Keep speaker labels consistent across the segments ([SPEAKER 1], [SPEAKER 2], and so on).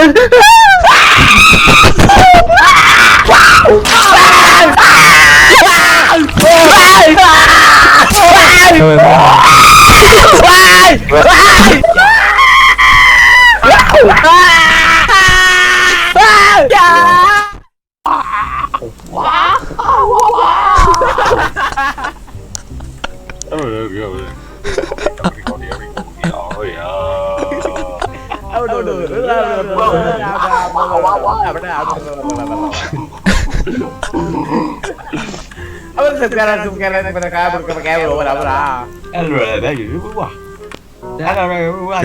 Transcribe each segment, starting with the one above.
[SPEAKER 1] sekarang pakai berapa?
[SPEAKER 2] Ada gitu wah. Ada apa?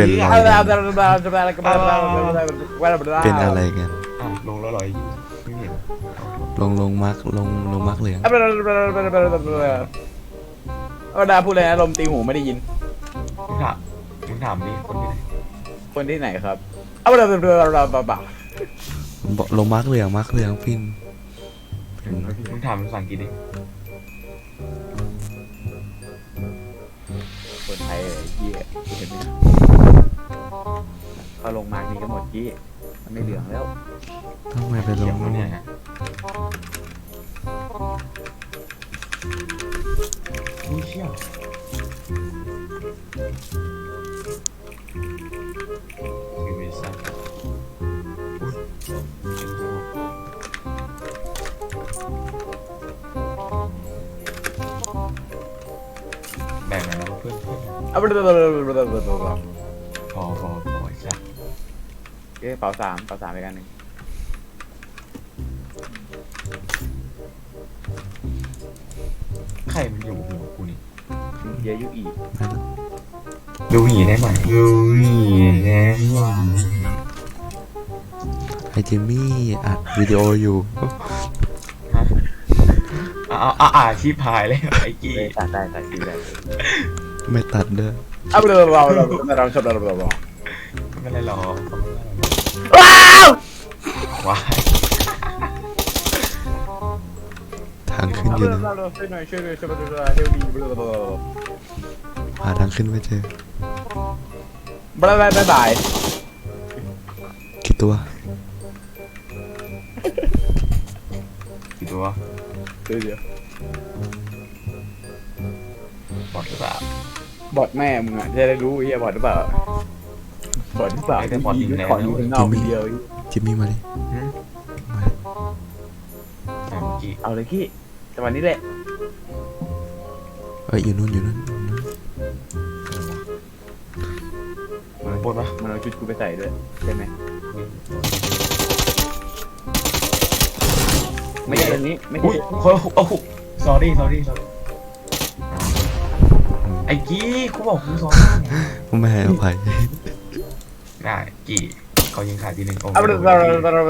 [SPEAKER 3] เป็นอะไรกัน
[SPEAKER 2] ลงแล้วลอยไม่เห็น
[SPEAKER 3] ลงมาร์กลงมาร์กเหลือง
[SPEAKER 1] เอาดาพูดเลยนะลมตีหูไม่ได้ยิน
[SPEAKER 2] มึงถามดิคนที่ไหน
[SPEAKER 1] คนที่ไหนครับเอาเราบ่า
[SPEAKER 3] บอกลงมาร์กเหลืองฟิน
[SPEAKER 2] มึงถามภาษาอังกฤษดิ
[SPEAKER 1] คนไทยเหี้ยเห็นไหมเขาลงมานี่ก็หมดกี้มันไม่เหลืองแล้ว
[SPEAKER 3] ทำไมไปล
[SPEAKER 2] เขีย
[SPEAKER 3] ง
[SPEAKER 2] วเนี่ยอุ้ยเชี่ยคือไม่ทราบแบ่งกันแล้วเพื่อน
[SPEAKER 1] เอาไป
[SPEAKER 2] พอไอ้สัส
[SPEAKER 1] เป๋าสามไปกันหนึ่ง
[SPEAKER 2] ใครมันอยู่หัวกูนี่
[SPEAKER 1] เยอะยุอี
[SPEAKER 2] ดูหีได้ไหมดูหีได้ไหม
[SPEAKER 3] ไอจิมมี่อัดวิดีโออยู่
[SPEAKER 2] ชีพายเลยไอ้กี้
[SPEAKER 1] ตัดได้คิวได้
[SPEAKER 3] ไม่ตัดเด้อ
[SPEAKER 1] เอาไปเราชอบเรา
[SPEAKER 2] ไม่เป็นไรหรอก
[SPEAKER 1] ว้าว
[SPEAKER 2] ว้าย
[SPEAKER 3] ทางขึ้นอยู่นะ
[SPEAKER 1] ช่วยหน่อยช่วยเฮลดี
[SPEAKER 3] หาทางขึ้นไม่เจอบ
[SPEAKER 1] าย
[SPEAKER 3] กี่ตัว
[SPEAKER 2] กี่ตัว
[SPEAKER 1] เดี๋ยว
[SPEAKER 2] บอดหรือเปล่า
[SPEAKER 1] บอดแม่มึงอ่ะจะได้รู้ไอ้บอดหรือเปล่าขออยู่ข้างนอกเดียว
[SPEAKER 3] จิมมี่มาดิมาดิ
[SPEAKER 2] กี่
[SPEAKER 1] เอาเลยกี้จังหวะนี้แหละ
[SPEAKER 3] เอ้ยอยู่นู่น
[SPEAKER 2] ปวดปะ
[SPEAKER 1] มันเอาชุดกูไปใส่ด้วยใช่ไหมไม่ใช่อันนี้ไม่
[SPEAKER 2] อุ้
[SPEAKER 1] ใช่
[SPEAKER 2] ยโอ้โห sorry ไอ้กี้กูบอกกูสอน
[SPEAKER 3] ไม่ให้อภัย
[SPEAKER 2] ได้กี่เขายิงขาดทีหนึ่งโอ้
[SPEAKER 1] เอาไปเอาไป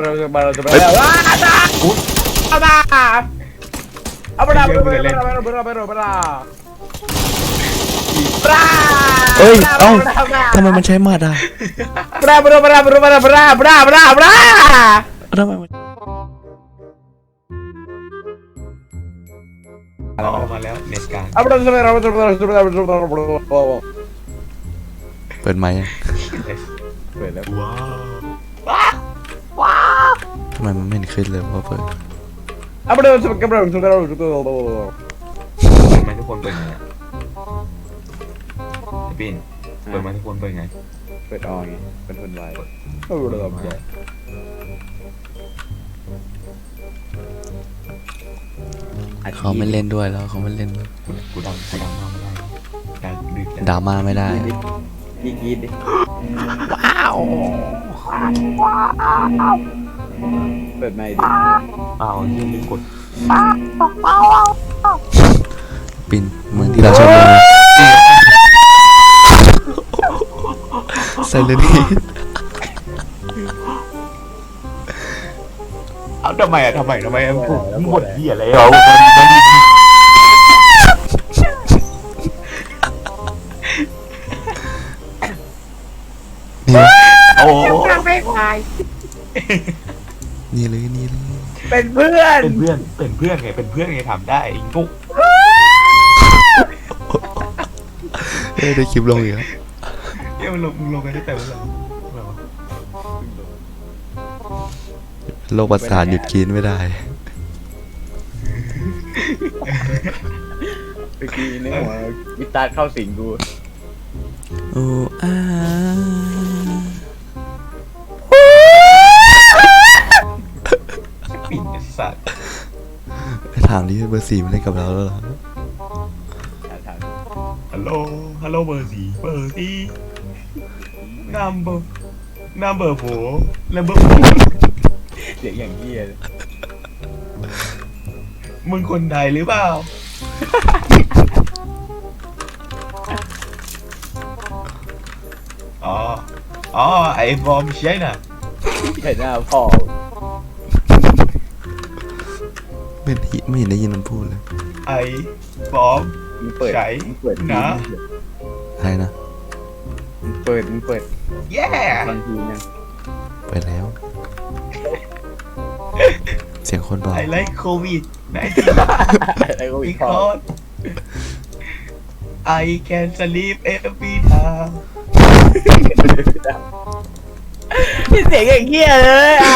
[SPEAKER 3] เอ้ยเอ้าทำไมมันใช้หมัดอ่ะทำไมมัน
[SPEAKER 2] มาแล้วเน็ตการ
[SPEAKER 3] เปิดไมค์ยัง
[SPEAKER 1] เปิดแล้ว
[SPEAKER 2] ว้าว
[SPEAKER 3] ทำไมมันไม่เห็นขึ้นเลยว่าเปิด
[SPEAKER 2] ทำไมทุกคนเปิดไงปิ่นเปิดมาทุกคนเปิดไง
[SPEAKER 1] เปิดออไงเป็นคนไว
[SPEAKER 3] เขาไม่เล่นด้วยแล้วเขาไม่เล่นด้วย
[SPEAKER 2] กูดังมากไม่ได้การดึก
[SPEAKER 3] ดราม่าไม่ได้
[SPEAKER 1] ดีกีดิ
[SPEAKER 3] ว้าว
[SPEAKER 1] เปิดไม่ดิ
[SPEAKER 2] อ้าวยังมีกด
[SPEAKER 3] ปินเหมือนที่เราชอบเลยไซเลนี
[SPEAKER 2] เอาทำไมผมหมดเหี้ยอะไรเอา
[SPEAKER 3] นี่
[SPEAKER 2] โอ้
[SPEAKER 3] นี่เลย
[SPEAKER 1] เป็นเพื่อน
[SPEAKER 2] เป็นเพื่อนไงทำได้ไอ้กุ๊ก
[SPEAKER 3] ได้คลิปลงอีกแล้ว
[SPEAKER 2] เนี่ยมึงลงกันตั้งแต่เมื่อไหร่
[SPEAKER 3] โรคประสาทหยุดกินไม่ได้
[SPEAKER 1] เมื่อกี้ในหัวกีตาร์เข้าสิงกู
[SPEAKER 3] โอ้อา
[SPEAKER 2] ปิ่นไอ้สัตว์
[SPEAKER 3] ไปถามดิเบอร์ 4มันเล่นกับเราแล้วเหรอ
[SPEAKER 1] ถาม
[SPEAKER 2] ฮัลโหลฮัลโหลเบอร์สี่number 4 number 4
[SPEAKER 1] เสียงอย่างเงี้ยเลย
[SPEAKER 2] มึงคนไทยหรือเปล่า อ๋อไอ้บอมใช่น่ะ
[SPEAKER 1] เห็นหน้าพ่อ
[SPEAKER 3] ไม่เห็นได้ยินมันพูดเลย
[SPEAKER 2] ไอ้บอม
[SPEAKER 1] มึงเปิด
[SPEAKER 2] ใช่
[SPEAKER 1] มึงเปิด
[SPEAKER 2] นะ
[SPEAKER 3] อะไรนะ
[SPEAKER 1] มึงเปิด
[SPEAKER 2] แย่
[SPEAKER 1] บางทีเนี่ย
[SPEAKER 3] ไปแล้ว เสียงคนบอก
[SPEAKER 2] ไอ้ไลค์โควิดนะ
[SPEAKER 1] ไอ้กูอี
[SPEAKER 2] อี
[SPEAKER 1] ก
[SPEAKER 2] ก
[SPEAKER 1] ข้อ
[SPEAKER 2] คน I can sleep every time
[SPEAKER 1] เสียงอย่างเงี้ยเลยอ่ะ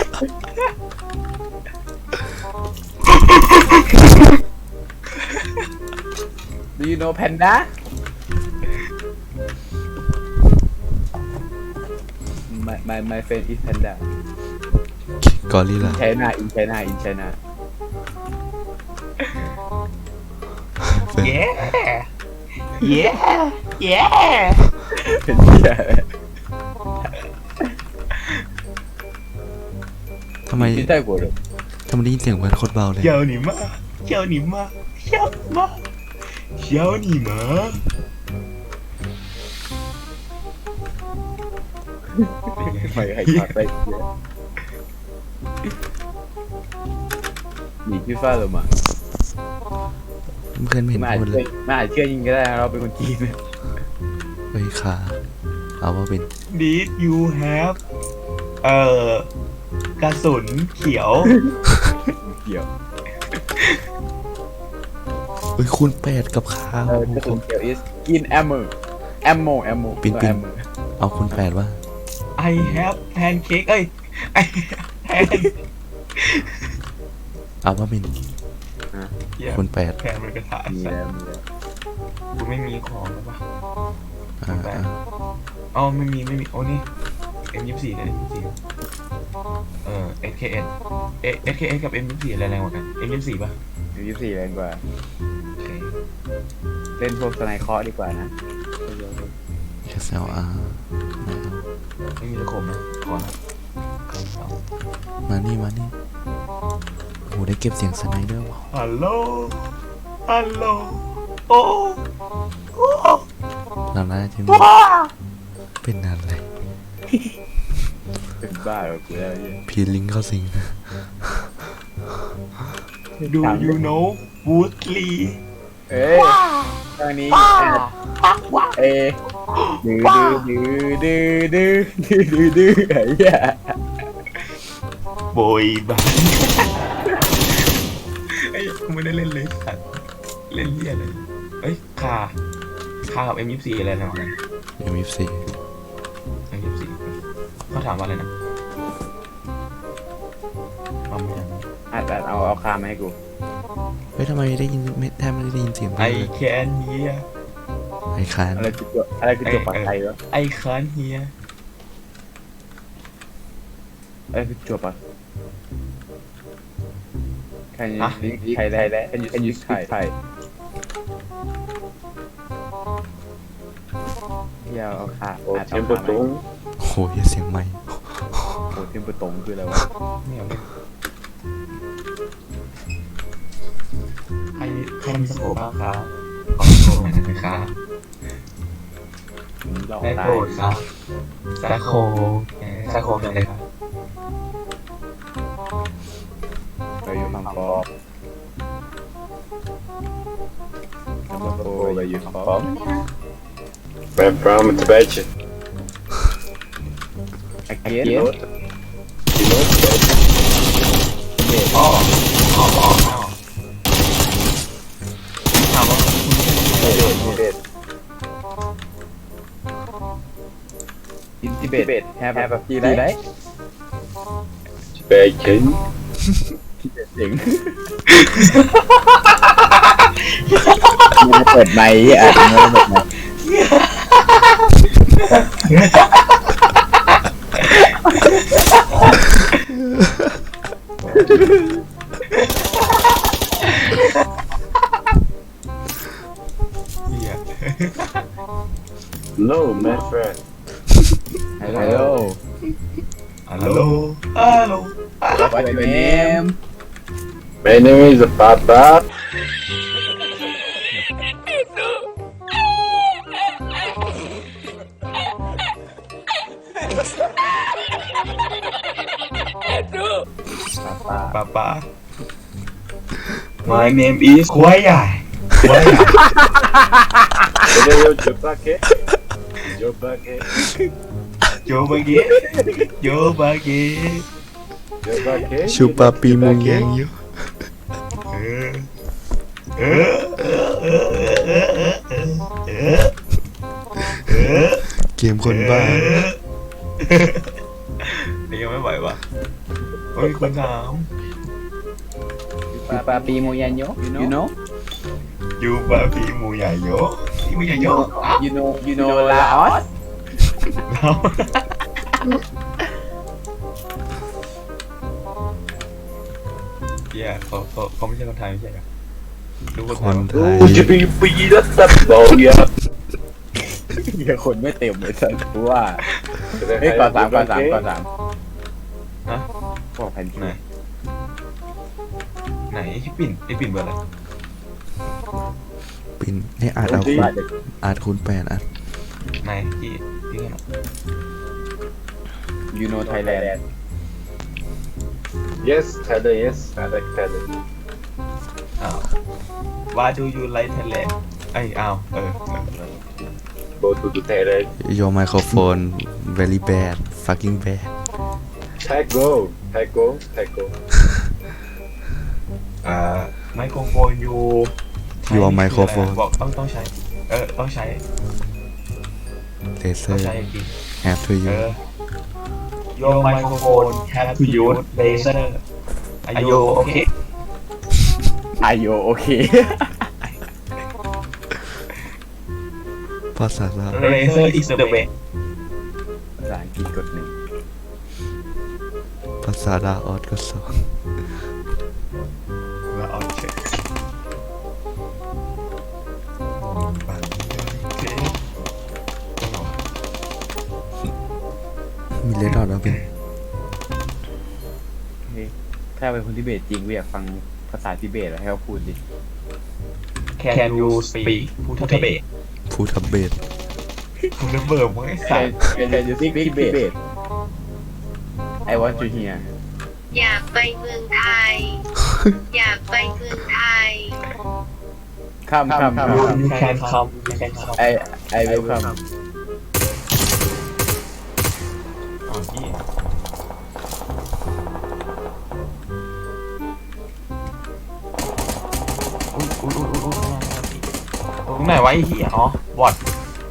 [SPEAKER 1] Do you know panda my friend is panda
[SPEAKER 3] กอริลลา
[SPEAKER 1] China in China
[SPEAKER 2] เย้เย้เย้
[SPEAKER 1] เป็นเหี้ย
[SPEAKER 3] ทำไม
[SPEAKER 1] ที่ใต้กูเลย
[SPEAKER 3] ทำไมได้ยินเสียงเหมือนโคตรเบาเลย
[SPEAKER 2] 叫你妈叫你妈叫妈叫你妈
[SPEAKER 1] ไม่ให้ขาดไปเหี้ยหนีพี่ฟ้าลงมา
[SPEAKER 3] เพื่อนไม่เห็น
[SPEAKER 1] ไม่อาจ
[SPEAKER 3] พูดเลย
[SPEAKER 1] เชื่อยิงก็ได้เราเป็นคนจีนนะ
[SPEAKER 3] เฮ้ยขาเอาว่าเป็น
[SPEAKER 2] Did you have กระสุนเขียว
[SPEAKER 1] เกี่ยว
[SPEAKER 3] เฮ้ยคูณ8กับข้าว
[SPEAKER 1] กระสุนเกี่ยว is in ammo
[SPEAKER 3] ปิ่น เอาคูณ8ว่า
[SPEAKER 2] I have pancake เอ้ย I have
[SPEAKER 3] เอาว่าเป็น
[SPEAKER 2] pan
[SPEAKER 3] คูณ8
[SPEAKER 2] แพนมันกระถาง
[SPEAKER 1] มี
[SPEAKER 2] สัต
[SPEAKER 1] แล้ว
[SPEAKER 2] ว์
[SPEAKER 1] มีแล้ว
[SPEAKER 2] กูไม่มีของแล้วปะ
[SPEAKER 3] อ่า
[SPEAKER 2] อ๋อไม่มีโอ้นี่ M24 กับ M24 SKS SKS กับ M24 อะไรแรงกว่ากัน M24 ป่ะ
[SPEAKER 1] 24แรงกว่า
[SPEAKER 2] โอเค
[SPEAKER 1] เล่นพวกสไนเคราะห์ดีกว่านะ
[SPEAKER 3] SLR
[SPEAKER 2] ไม่มีตะขบนะขอนะเอา
[SPEAKER 3] มานี่โหได้เก็บเสียงสไนเดอร์ว่ะ
[SPEAKER 2] ฮัลโหลฮัลโหลโอ้โอ้
[SPEAKER 3] เราน่าจะมีเป็นอะไร
[SPEAKER 1] เป็นบ้าเหรอกูแล้วเนี่ย
[SPEAKER 3] พีลิงเข้าสิง
[SPEAKER 2] ดู you know Woodley
[SPEAKER 1] เอ้ยตอนนี้เอ้ดื้อไอ้เหี้ย
[SPEAKER 2] โบยบันไอ้กูไม่ได้เล่นเลยสัตว์เล่นเหี้ยเลยเอ้ยคากับ M24 อะไรนะ
[SPEAKER 3] M24
[SPEAKER 2] M24 เขาถามว่าอะไรนะเอาไม่ได้
[SPEAKER 1] เอาคามาให้กู
[SPEAKER 3] เฮ้ยทำไมได้ยินแทบไม่ได้ยินเสียง
[SPEAKER 2] I can hear
[SPEAKER 3] ไอ้คาน
[SPEAKER 1] อะไรคือตัวปักไทยวะ
[SPEAKER 2] I can hear
[SPEAKER 1] อะไรคือตัวปักใครได้แล้วcan you speak Thai อย่าเอาคาเอาคามา
[SPEAKER 3] โหยเสียงใหม่
[SPEAKER 1] โอ้เทมเปอร์ตงคืออะไรวะ
[SPEAKER 2] ไม่เอาไม่ใครมีสโคปบ้างครับขอสโคปหน่อยได้ไหมครับ
[SPEAKER 1] ลอง
[SPEAKER 2] ได้
[SPEAKER 1] ตา
[SPEAKER 2] โปร
[SPEAKER 1] ย
[SPEAKER 2] ดครับสโคปอะไรครับ
[SPEAKER 1] เราอยู่ฝั่งฟอร์เราอยู่ฝั่งฟอร์
[SPEAKER 4] Where from? Tibet.
[SPEAKER 1] again
[SPEAKER 4] You know?
[SPEAKER 2] อ๋อถามว่า
[SPEAKER 1] in Tibet have a tea right
[SPEAKER 4] bacon.
[SPEAKER 1] เจ๋งมันเปิดไมค์อ่ะมันเปิดไมค์
[SPEAKER 2] เหี้ย
[SPEAKER 4] No, my friend.
[SPEAKER 1] ฮัลโหล
[SPEAKER 2] ฮัลโหลฮัลโหล
[SPEAKER 1] What's your name
[SPEAKER 4] My name is Papa.
[SPEAKER 2] Papa My name is ควายใหญ่ควายใหญ่
[SPEAKER 4] Today you Jopake. Jopake.
[SPEAKER 2] โยบาเกะโยบาเกะ
[SPEAKER 4] Jopake.
[SPEAKER 3] ชูปาปีมุงยังอยู่
[SPEAKER 2] เออเออเออ
[SPEAKER 3] เกมคนบ้า
[SPEAKER 2] นี่ยังไม่ไหววะโอ้ยคุณถาม
[SPEAKER 1] Papi Moyanyo you know
[SPEAKER 2] ยูบาปีมูใหญ่โยปีมูใหญ่โย
[SPEAKER 1] you know Laos
[SPEAKER 2] แล้วเหี้ยเขาไม่ใช่คนไทยไม่ใช่เหรอดูคน
[SPEAKER 3] ค
[SPEAKER 2] ไทย
[SPEAKER 3] น
[SPEAKER 2] วะ
[SPEAKER 3] ไทย
[SPEAKER 4] Would you be free? That's the ball, yeah.
[SPEAKER 1] เหี้ยคนไม่เต็มเลยสัสกูว่าเฮ้ยก่อนสามบอกแผ่น
[SPEAKER 2] ไหนไหนไอ้ปิ่นเบอร์อะไร
[SPEAKER 3] ปินให้อาจเอาคูณอาจคูณ8อ่ะ
[SPEAKER 2] ไหนที่ไงนะ
[SPEAKER 1] you know Thailand
[SPEAKER 4] Yes, Thailand, yes. I like Thailand.
[SPEAKER 2] อ้าว Why do you like Thailand ไอ้อ้าว
[SPEAKER 4] Go to the Thailand.
[SPEAKER 3] Your microphone very bad fucking bad
[SPEAKER 4] Taco. Taco. Taco.
[SPEAKER 2] ไมโครโฟนยู
[SPEAKER 3] Your microphone
[SPEAKER 2] บอกต้องใช้ต้องใช้
[SPEAKER 3] laser
[SPEAKER 2] ใช้จริง
[SPEAKER 3] have to use
[SPEAKER 2] Your microphone have to use laser Are you okay
[SPEAKER 1] Are you okay
[SPEAKER 3] ภาษาลาว
[SPEAKER 2] Laser is the way
[SPEAKER 1] ภาษาอังกฤษกดหนึ่ง
[SPEAKER 3] ภาษาลาวออดก็สอง
[SPEAKER 2] แล้วเอาเช็ค
[SPEAKER 3] มีเลดดอทแล้วเป็น
[SPEAKER 1] ถ้าเป็นคนทิเบตจริงกูอยากฟังภาษาทิเบตแล้วให้เขาพูดดิ
[SPEAKER 2] Can you speak พูดทเบต
[SPEAKER 3] พูทับเบส
[SPEAKER 2] พูดเบิร์มไอ้สัตว์
[SPEAKER 1] Can you speak Tibet I want to hear
[SPEAKER 5] อยากไปเมืองไทย อยากไปเมืองไทย
[SPEAKER 1] come
[SPEAKER 2] You can come You can come
[SPEAKER 1] I will come
[SPEAKER 2] อ๋อพี่อุ้ยตรงไหนวะไอ้เหี้ยอ๋อบอด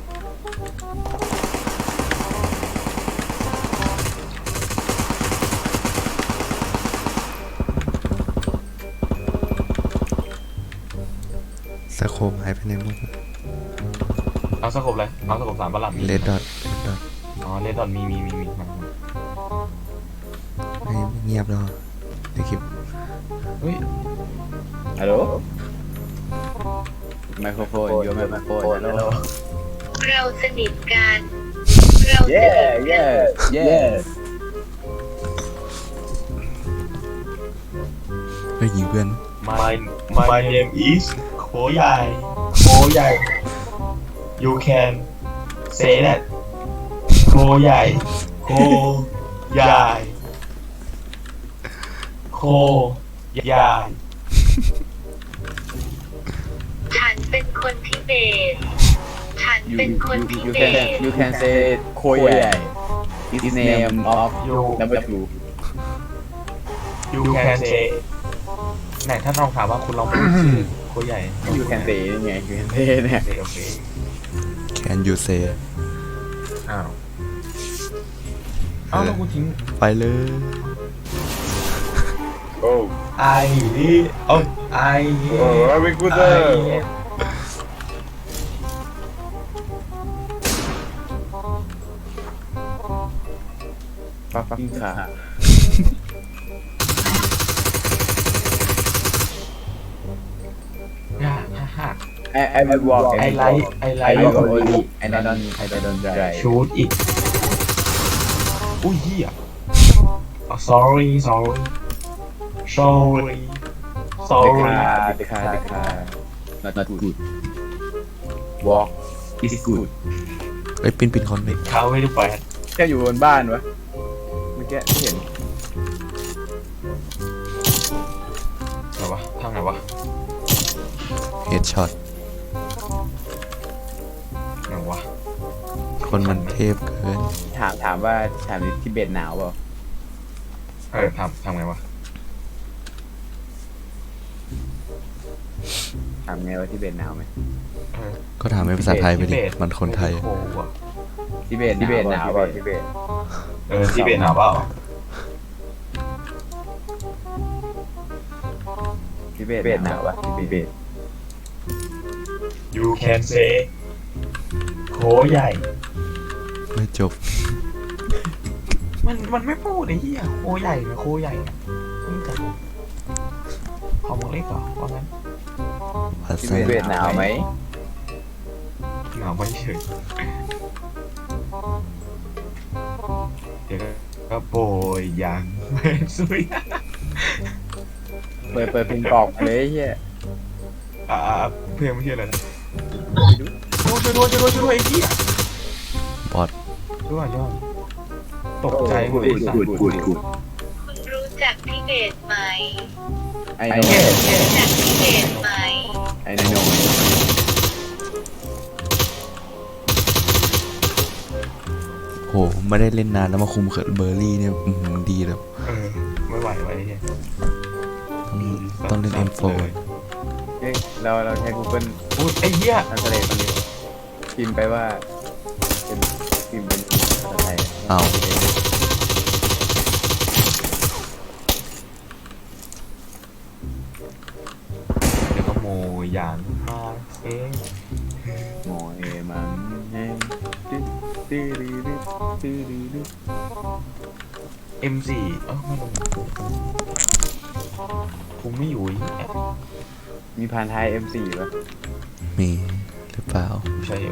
[SPEAKER 3] สโคมหายไปในหมด
[SPEAKER 2] เอาสกบเลยเอาสกบ3ประหลัด
[SPEAKER 3] เลดดอท
[SPEAKER 2] อ๋อเลดดอนมีมา
[SPEAKER 3] ให้เงียบแล้วในคลิป
[SPEAKER 2] เฮ้ย
[SPEAKER 1] ฮัลโหลไมโครโฟนโยนไมโครโฟนฮัลโหล
[SPEAKER 5] เราสนิทกัน เราสนิท
[SPEAKER 1] yeah
[SPEAKER 3] ให้ยิงเพื่อน
[SPEAKER 2] My name is โคใหญ่ You can say that โคใหญ่ โคใหญ่ โคใหญ่
[SPEAKER 5] ฉันเป็นคนทิเบต ฉันเป็นคนทิเบต
[SPEAKER 1] you can say โคใหญ่ is name of number 2
[SPEAKER 2] You can say ไหนถ้าลองถามว่าคุณลองพูดชื่อโคใหญ่
[SPEAKER 1] you can say นี่ไง you can say เนี่ย
[SPEAKER 2] โอเค
[SPEAKER 3] Can you say
[SPEAKER 2] อ้าวแล้วกูทิ้ง
[SPEAKER 3] ไปเลย
[SPEAKER 4] Oh,
[SPEAKER 2] ไอ้นี่โอ้ยไอ้
[SPEAKER 4] oh, very good.
[SPEAKER 1] ฟักกิ้งขา
[SPEAKER 2] ฮ่าฮ่าฮ่า
[SPEAKER 1] ไอวิววอล์ก
[SPEAKER 2] ไอไลท์ไอไล
[SPEAKER 1] ไอ
[SPEAKER 2] ท์
[SPEAKER 1] วิวโอลีไอไดอนได
[SPEAKER 2] ชูดอีกอุ้ยเหี้ย sorry sorry sorry
[SPEAKER 1] เดคา not good walk is good
[SPEAKER 3] ไอ้ยปินคอนดิ
[SPEAKER 2] เขาไม่ได้แปล
[SPEAKER 1] แค่อยู่บนบ้านวะเมื่อกี้ที่เห็น
[SPEAKER 2] ไหนวะทางไหนวะ
[SPEAKER 3] เฮดช็อต
[SPEAKER 2] ไหนวะ
[SPEAKER 3] คนมันเทพเกิน
[SPEAKER 1] ถามว่าที่เบตหนาวเปล่า
[SPEAKER 2] ทำไงวะ
[SPEAKER 1] ถามไงว่าที่เบตหนาวไหม
[SPEAKER 3] ก็ถามเป็นภาษาไทยไปดิมันคนไทย
[SPEAKER 2] โอ้โหอะ
[SPEAKER 1] ที่เบตหนาวเปล่าที่เบต
[SPEAKER 2] ที่เบนหนาวเปล่า
[SPEAKER 1] ที่เบตหนาวปะที่เบต
[SPEAKER 2] you can say โคใหญ่
[SPEAKER 3] ไม่จบ
[SPEAKER 2] มันไม่พูดไอ้เหี้ยโคใหญ่นะโคใหญ่นะมึงจะของมึงเล็กเหรอว่างั้น
[SPEAKER 3] ภา
[SPEAKER 1] ที่
[SPEAKER 3] ษา
[SPEAKER 1] เบตหนาวไหม
[SPEAKER 2] หนาวไม่เฉยเดี๋ยวก็โปรยยังไม่ซุย
[SPEAKER 1] เปิดเพลงกรอกเลยไอ้เฮีย
[SPEAKER 2] เพื่อนไม่เชื่ออะไรนะช่วยด้วยไอ้เหี้ย
[SPEAKER 3] บอด
[SPEAKER 2] ช่วยตกใจหมด
[SPEAKER 1] กูด
[SPEAKER 5] คุณรู้จักทิเบตไหม
[SPEAKER 1] ไอโน่
[SPEAKER 5] รู้จักทิเบตไหม
[SPEAKER 1] ไอโน่
[SPEAKER 3] โหไม่ได้เล่นนานแล้วมาคุมเขินเบอร์รี่เนี่ยดีเลย
[SPEAKER 2] ไม่ไหวไอ้เหี้ย
[SPEAKER 3] ต้องเล่น M4
[SPEAKER 1] เฮ้ยเราใช้ Google
[SPEAKER 2] พูดไอ้เหี้ย
[SPEAKER 1] Translate ตอนนี้พิมพ์ไปว่าเป็นพิมพ์เป็นภาษาไทย
[SPEAKER 3] อ้าว
[SPEAKER 2] เดี๋ยวก็โมยางมาเอ๊ะ
[SPEAKER 1] โมเอมันแห้งตื้อตื้อ
[SPEAKER 2] M4 ไม่ลงกูไม่อยู่อีก
[SPEAKER 1] มีพานไทย M4 ป่ะ
[SPEAKER 3] มีหรือเปล่า
[SPEAKER 2] ใช่อยู่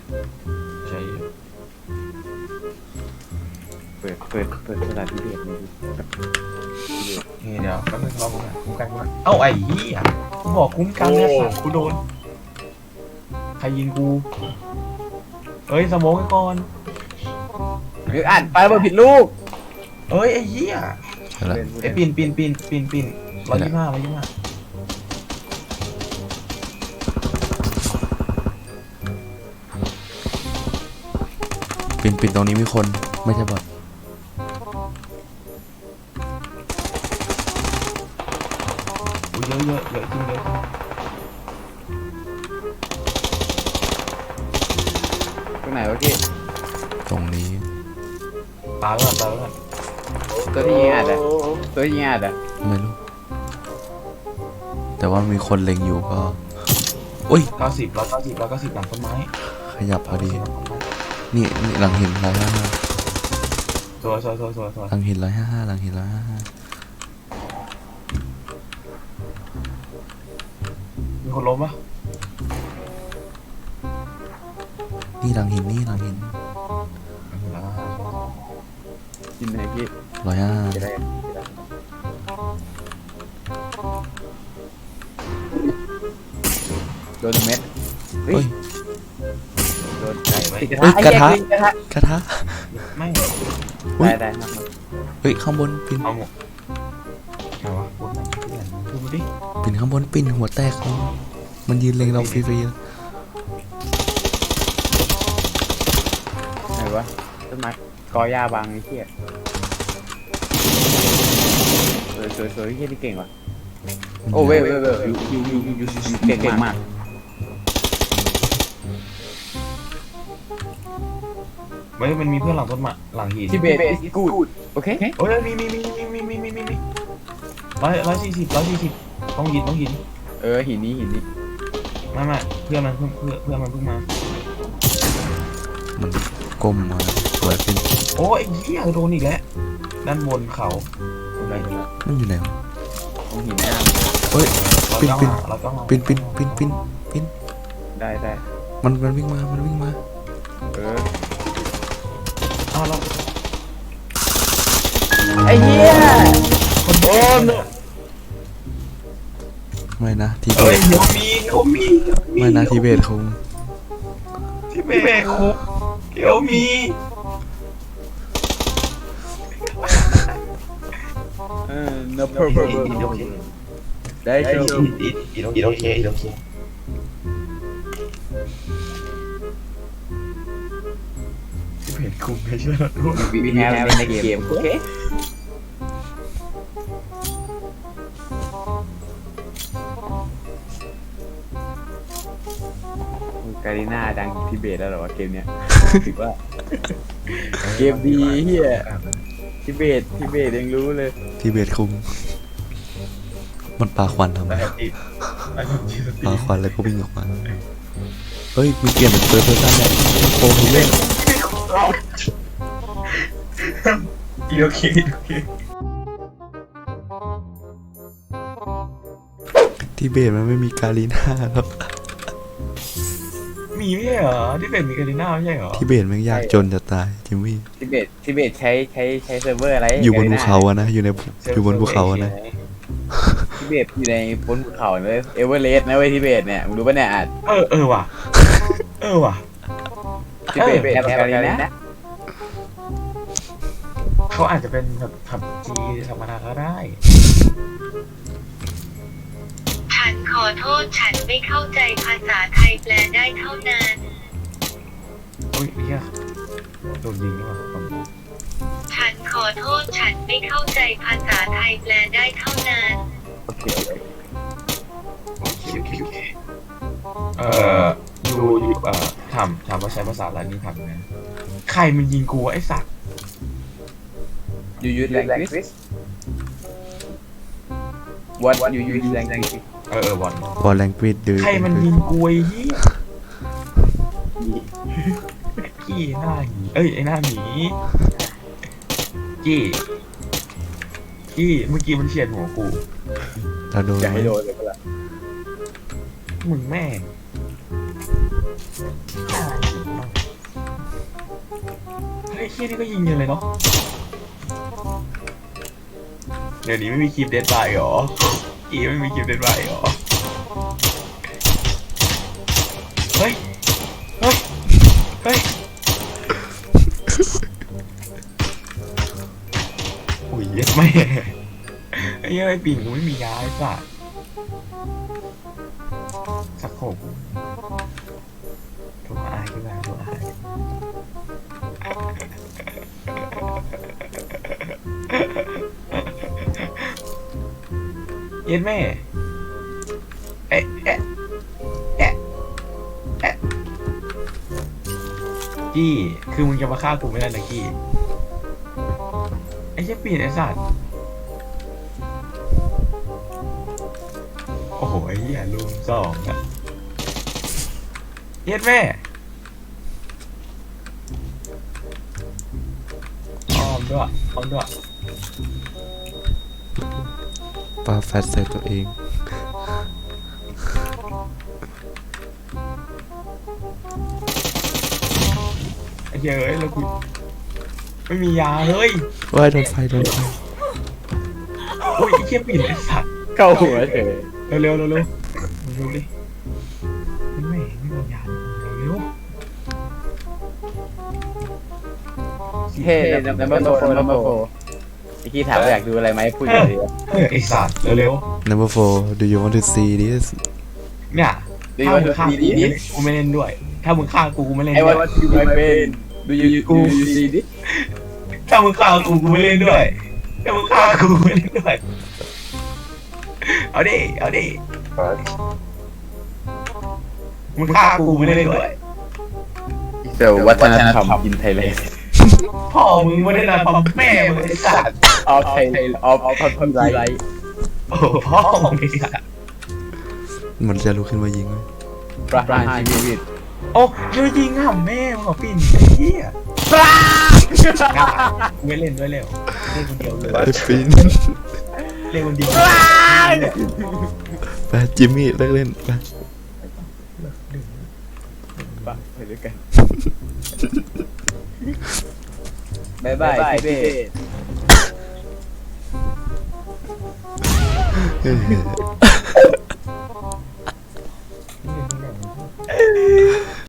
[SPEAKER 1] เปิดภาษาที่เบตนี่
[SPEAKER 2] นี่เดี๋ยวแป๊บนึงรอผมหน่อยคุ้มกันเอ้าไอ้เหี้ยกูบอกคุ้มกันเนี่ยสัตว์กูโดนใครยิงกูเฮ้ยสโมกไว้ก่อน
[SPEAKER 1] หรืออ่านไปว่าผิดลูก
[SPEAKER 2] เอ้ยไอ้เหี้ย
[SPEAKER 3] ใช่ละ
[SPEAKER 2] ไอ้ปิน125
[SPEAKER 3] ปินตรงนี้มีคนไม่ใช่บอด
[SPEAKER 2] อุ้ยเยอะจริงเลย
[SPEAKER 1] ตรงไหนวะพี่
[SPEAKER 3] ตรงนี้
[SPEAKER 2] ตายแล้ว
[SPEAKER 1] ตัวที่ยิงอ่ะตัวที่ยิงอ่ะ
[SPEAKER 3] ไม่รู้ แต่ว่ามีคนเล็งอยู่ก็อุ้ย
[SPEAKER 2] 90หลังต้นไม้
[SPEAKER 3] ขยับพอดี นี่หลังหิน155
[SPEAKER 2] สวย
[SPEAKER 3] หลังหิน155หลังหิน155
[SPEAKER 2] มีคนล้มปะ
[SPEAKER 3] นี่หลังหินนี่หลังหิน
[SPEAKER 1] ยิงไหนพี่
[SPEAKER 3] 155
[SPEAKER 1] จะได้โดนเม็ด
[SPEAKER 3] เฮ้ย
[SPEAKER 1] โดน
[SPEAKER 2] ไก่ไหม
[SPEAKER 3] เฮ้ยกระทะ กระทะ
[SPEAKER 2] ไม่
[SPEAKER 1] ได้ครับ
[SPEAKER 3] เฮ้ยข้างบนปิน
[SPEAKER 2] เอาหมดไหนวะบนไหนดูมาดิ
[SPEAKER 3] ปินข้างบนปินหัวแตกมันยืนเล็งเราฟรีๆ
[SPEAKER 1] ไหนวะต้นไม้กอหญ้าบางไอ้เหี้ยสวยเหี้ยที่เก่งว่ะโอ้เว้ยยูเก่งมาก
[SPEAKER 2] ไม่มันมีเพื่อนหลังต้นไม้หลังหิน
[SPEAKER 1] ที่เบสกูดโอเค
[SPEAKER 2] โอ้ยมี 140ต้องยินหิน
[SPEAKER 1] หินนี้
[SPEAKER 2] ไม่เพื่อนมันเพิ่งมา
[SPEAKER 3] มันก้มมาเปิดเป็น
[SPEAKER 2] โอ้ยเหี้ยโดนอีกแล้วด้านบนเขา
[SPEAKER 1] อะไรกันละ
[SPEAKER 3] มันอยู่ไหนวะ
[SPEAKER 1] ตรงหินหน้า
[SPEAKER 3] เฮ้ย
[SPEAKER 2] เราต้อง
[SPEAKER 3] ปิน
[SPEAKER 1] ได้
[SPEAKER 3] มันวิ่งมา
[SPEAKER 2] เอาเรา
[SPEAKER 1] ไอ้เหี้ย
[SPEAKER 2] โอ้ย
[SPEAKER 3] ไม่นะทีเบ
[SPEAKER 2] เฮ้ย
[SPEAKER 3] ต
[SPEAKER 2] เดี๋ยวมี
[SPEAKER 3] ไม่นะทีเบตคง
[SPEAKER 2] ที่เบรกคุกเดี๋ยวมี
[SPEAKER 1] no problem ได้เชียว
[SPEAKER 2] อีโอเคที่เบรกคุกไม่ใช่หรอ
[SPEAKER 1] we have in the game โอเคการีน่าดังทิเบตแล้วเหรอวะเกมเนี้ยถือว่าเกมดีเฮียทิเบตยังรู้เลย
[SPEAKER 3] ทีเบตคงมันปาควันทำไมปาควันแล้วก็วิ่งออกมาเฮ้ยมีเปลี่ยนเป็นเฟิร์สเพอร์ซันแล้วโอ้ยเล่น
[SPEAKER 2] โอเค
[SPEAKER 3] ทีเบตมันไม่มีการีน่าแล้ว
[SPEAKER 2] มีไม่ใช่เหรอที่เป็นมีการีน่าไม่ใช่เหรอ
[SPEAKER 3] ทีเบตมันยากจนจะตายจิมมี่
[SPEAKER 1] ทิเบตใช้เซิร์ฟเวอร์อะไร
[SPEAKER 3] อยู่บนภูเขาอะนะอยู่บนภูเขาอะนะ
[SPEAKER 1] ทิเบตอยู่ในบนภูเขาเลยเอเวอเรสต์นะเว้ยทิเบตเนี่ยมึงรู้ป่ะเนี่ยอ่ะ
[SPEAKER 2] เออว่ะ
[SPEAKER 1] ทิเบตแอปการีนะ
[SPEAKER 2] เขาอาจจะเป็นแบบผับจีธรรมดาก็ได้
[SPEAKER 5] ฉันขอโทษฉันไม่เข้าใจภาษาไทยแปลได้เท่านั้น
[SPEAKER 2] โอ้ยเฮียโดนยิงนี่หว่า
[SPEAKER 5] ฉันขอโทษฉันไม่เข้าใจภาษาไทยแปลได้เท่านั้น
[SPEAKER 1] โอเค
[SPEAKER 2] ดูถามว่าใช้ภาษาอะไรนี่ทำนะใครมันยิงกูไอ้สัตว์
[SPEAKER 1] you use language what you use language
[SPEAKER 2] บอล
[SPEAKER 3] บอลแรงกรีดดู
[SPEAKER 2] ใครมันยิงกูไอ้เหี้ยกี้หน้าหมีไอ้หน้าหมีกี้เมื่อกี้มันเฉียดหัวกู
[SPEAKER 3] เราโดน
[SPEAKER 1] อย่าให้โดนเลยก็ละ
[SPEAKER 2] มึงแม่งเฮ้ยเฮียนี่ก็ยิงเยอะเลยเนาะเดี๋ยวนี้ไม่มีคลิปเดดไลน์หรอกี้ไม่มีคลิปเดดไลน์หรอเฮ้ยโอ้ยไม่ไอ้เหี้ยไอ้ปิ่นกูไม่มียาไอ้สัสสักโขกตัวอายขึ้นมาตัวอายเย็นแม่กี้คือมึงจะมาฆ่ากูไม่ได้นะกี้ไอ้เหี้ยปิ่นไอ้สัสโอ้โหไอ้เหี้ยลุมสองอะเย็ดแม่อ้อมด้วย
[SPEAKER 3] ปาแฟตใส่ตัวเอง
[SPEAKER 2] ไอ้เหี้ยเอ้ยแล้วกูไม่มียาเฮ้ย
[SPEAKER 3] ว่ายโดนไฟ
[SPEAKER 2] โอ้ยไอ้เหี้ยปิ่นไอ้สัตว์
[SPEAKER 1] เข้าหัวเฉย
[SPEAKER 2] เร็วดิไม่มียาเร็ว
[SPEAKER 1] เฮ้ number 4ไอ้กี้ถามว่าอยากดูอะไรไหมพูดอย่างเดียว
[SPEAKER 2] ไอ้สัตว์เร็ว
[SPEAKER 3] Number 4 do you want to see this
[SPEAKER 2] เนี่ยถ้ามึงฆ่ากูไม่เล่นด้วย ถ้ามึงฆ่ากูไม่เล่น
[SPEAKER 1] ไอ้
[SPEAKER 2] ด้วย
[SPEAKER 1] ว่า you my friend do you see this
[SPEAKER 2] ถ้ามึงฆ่ากูไม่เล่นด้วยถ้ามึงฆ่ากูไม่เล่นด้วยเอาดิ มึงฆ่ากูไม่เล่นด้วย
[SPEAKER 1] เดี๋ยววัฒนธรรมอินไทยแลนด์
[SPEAKER 2] พ่อมึงไม่ได้นำแม่มึงไอ้สัตว์
[SPEAKER 1] เอาไทยเอาพันไร
[SPEAKER 2] โอ้พ่อของนี่อะ
[SPEAKER 3] มันจะลุกขึ้นมายิงไหม
[SPEAKER 1] ประหารชีวิต
[SPEAKER 2] โอ้ช่วยยิงห่ำแม่มึงเหรอปิ่นไอ้เหี้ยกูไม่เล่นด้วยแล้วเล่นคนเดียวเลย
[SPEAKER 3] ไอ้ปิน
[SPEAKER 2] เล่นคนเดียว
[SPEAKER 3] ไปจิมมี่เลิกเล่นไป
[SPEAKER 1] ปะไปด้วยกันบายบายทิเบต
[SPEAKER 3] เฮ้ย